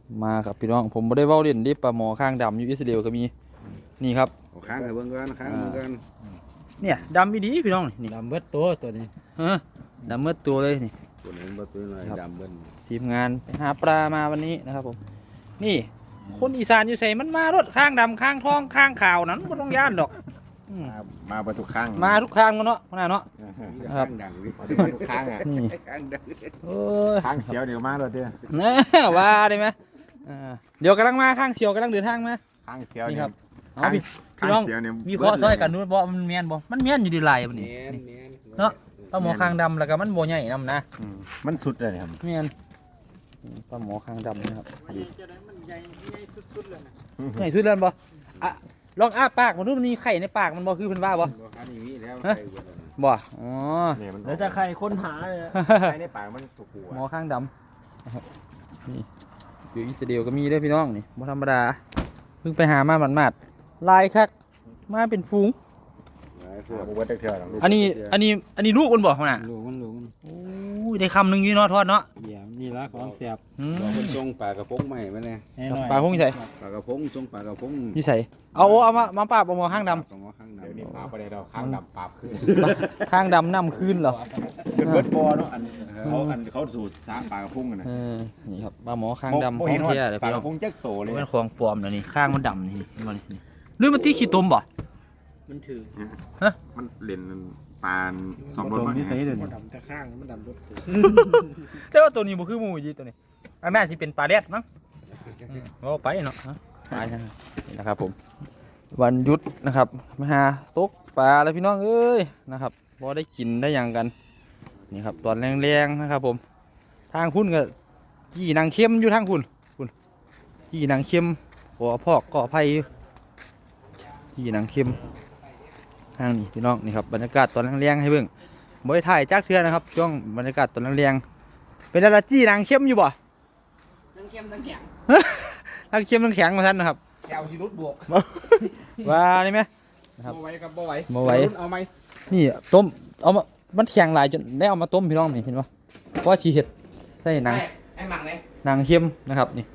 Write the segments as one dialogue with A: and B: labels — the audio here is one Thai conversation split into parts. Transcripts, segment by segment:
A: มาครับพี่น้องผมไม่ได้เว้าเล่นดิปลาหมอข้างดำอยู่อิสราเอลก็มีนี่ครับ
B: ข้างให้เบิ่งกันข้างเบิ่งกัน
A: เนี่ยดำอีดีพี่น้องนี่
C: ดำเบิดตัวนี้
A: ฮะดำเมื่อตัวเลยนี่
B: ตัวนี้บ่ตัวน้อยดำเบิ่น
A: ทีมงานไปหาปลามาวันนี้นะครับผมนี่คนอีสานอยู่ใส่มันมารถข้างดำข้างทองข้างขาวนั้นก็ต้องย่านดอก
B: มาประตูข้าง
A: มาทุกข้างกันเนาะขนาดเนาะ
B: ข้างดังมาทุกข้างอ่ะ
A: นี่
B: ข้างดัง
A: เอ้ย
B: ข้างเสียวเดี๋ยวมาเลยเด้อ
A: นะว่าได้ไหมเดี๋ยวกำลังมาข้างเสียวกำลังเดินทางมา
B: ข้างเสียว
A: นี่
B: นี่
A: ค
B: ค
A: รั
B: รั
A: บบ เอาพี่
B: ข้างเสียวเนี่ย
A: มีข้อซอยกันนู้นบ่มันแม่นบ่มันแม่นอยู่ดีลายมันนี่ เนาะ ปลาหมอคางดำแล้วก็มันโบใหญ่นำนะ
B: มันสุดเลยครับ
A: แม่นปลาหมอคางดำนะครับ
C: มันใหญ่สุดๆเลยนะ
A: ใหญ่สุดแล้วบ่อะลองอ้าปากมันดูมันมีไข่ในปากมันบ่คือเพิ่นว่าบ่
B: อันนี้มีแล้ว
A: บ่อ๋อ
B: เนี่ยมัน
C: แล้วจะใครค้นหาเลย
B: ใช้ในปากมันถูกหัว
A: หมอข้างดำนะครับนี่อยู่อิสราเอลก็มีเด้อพี่น้องนี่บ่ธรรมดาเพิ่งไปหามาหมาดๆลายคักมาเป็นฝูง
B: พวกวัดเถื่อน
A: อันนี้ลูกมันบ่หั่นน่ะ
C: ลูกมัน
A: โอ้ยได้คำหนึงอยู่เนาะทอดเนาะ
C: เดี๋ยวนี่ละของเสียบ
A: อืม
B: เราเป็นทรงปลากระพงใหม่มาเนี่ย
C: แน่นอน
A: ปลาคงใส่
B: ปลากระพงทรงปลากระพง
A: นี่ใส่เอามาปราบเอาหมอข้างดำ
B: ของข้างดำเดี๋ยวนี้ปลาประเดี๋ยวข้างดำปราบขึ้น
A: ข้างดำนำคืนเหรอ
B: เป็นเบิร์ดบอลเนาะเขาสูตรสาปลากระพงกันนะ
A: นี่ครับปลาหมอข้างดำของแท้เลย
B: ปลา
A: พี่
B: ก
A: น้อ
B: ระ
A: ง
B: พงแจ๊กโตเลย
A: เป็นของปลอมนะนี่ข้างมันดำนี่เห็นบ่นี่หรือมันที่ขี้ตมบ่
C: มันถือ
B: มันเล่นปลาสองรสมัน
C: ดำแต่ข้างมันดำรถตัว
A: แต่ว่าตัวนี้บ่คือหมูยีตัวนี้อันน่าสิเป็นปลาแรดมั้งก็ไปเนาะไปนะครับผมวันหยุดนะครับมาหาตกปลาแล้วพี่น้องเอ้ยนะครับพอได้กินได้อย่างกันนี่ครับตอนแรงๆนะครับผมทางคุณก็ยี่นางเข้มอยู่ทางคุณยี่นางเข้มก่อพอกก่อไผ่ยี่นางเข้มทางนี้พี่น้องนี่ครับบรรยากาศตอนแรงๆให้เบิ่งบ่ได้ถ่ายจักเทื่อนะครับช่วงบรรยากาศตอนแรงๆเป็นอะไรจี้นางเข้มอยู่บ่
C: ทั้งเข้มทั้งแข็ง
A: นางเข้มนางแข็งมาท่านนะครับ
C: แก้วชีรุดบวก
A: ว่านี่ไหม ครับ
C: บ่ไหวครับบ่ไหว
A: บ่ไหว
C: เอาไหม
A: นี่ต้มเอามามันแข็งหลายจนได้เอามาต้มพี่น้องนี่เห็นปะเพราะว่าชีเห็ดใส่นาง
C: ไอ้หมักเลย
A: นางเข้มนะครับนี่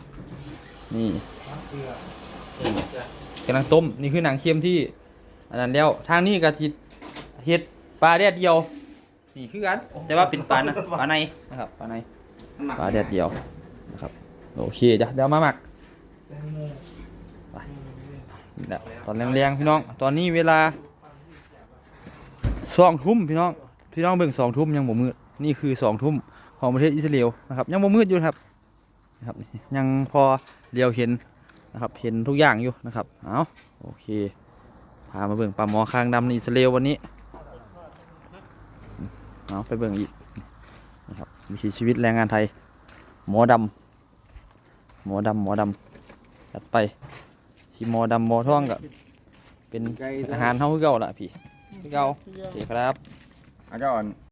A: กำลังต้มนี่คือนางเข้มที่อันนั้นแล้วทางนี้ก็สิเห็ดปลาแดดเดียวนี่คือกันแต่ว่าเป็นปลานะปลาในนะครับปลาในปลาแดดเดียวนะครับโอเคเดี๋ยวมาหมักไปนี่แหละตอนแรงๆพี่น้องตอนนี้เวลา2 ทุ่มพี่น้องเบิ่ง2 ทุ่มยังบ่มืดนี่คือ2 ทุ่มของประเทศอิสราเอลนะครับยังบ่มืดอยู่นะครับยังพอเลียวเห็นนะครับเห็นทุกอย่างอยู่นะครับเอาโอเคพามาเบิ่งปลาหมอคางดำในอิสราเอลวันนี้เอาไปเบิ่งอีกนะครับวิถีชีวิตแรงงานไทยหมอดำจัดไปสิหมอดำหมอท่องกับเป็นอาหารเฮาคือเก่าล่ะพี่คือเก่าโอเคครับ
B: อาจารย์